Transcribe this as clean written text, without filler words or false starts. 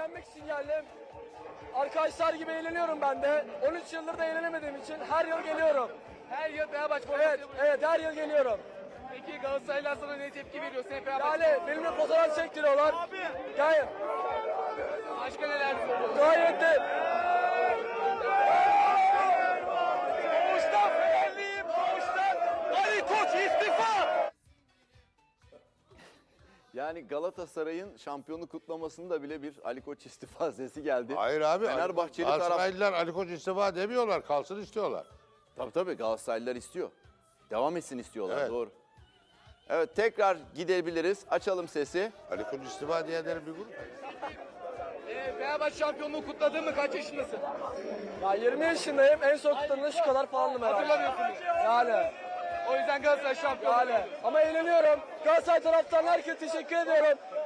eğlenmek için geldim. Arkadaşlar gibi eğleniyorum ben de. 13 yıldır da eğlenemediğim için her yıl geliyorum. Her yıl Fenerbahçe Evet, formasıyla buraya. evet her yıl geliyorum. Peki Galatasaraylılar sana ne tepki veriyor? Sen Fenerbahçe Yani benimle fotoğraf çektiriyorlar. Gayet, başka neler söylüyorsun? gayet de... Doğuştan Fenerliyim, doğuştan. Ali Koç istifa. Yani Galatasaray'ın şampiyonluk kutlamasında bile bir Ali Koç istifa sesi geldi. Hayır abi. Fenerbahçeli taraf. Galatasaraylılar Ali Koç istifa demiyorlar. Kalsın istiyorlar. Tabii Galatasaraylılar istiyor. Devam etsin istiyorlar, Evet. doğru. Evet, tekrar gidebiliriz. Açalım sesi. Ali Koç istifa diyenlerin bir grup. Fenerbahçe şampiyonluğu kutladın mı? Kaç yaşındasın? Ya 20 yaşındayım. En son kutladığımda şu kadar falandım herhalde. Hatırlamıyorsunuz. Yani. O yüzden Galatasaray şampiyon. Yani. Ama eğleniyorum. Galatasaray taraftarına herkese teşekkür ediyorum.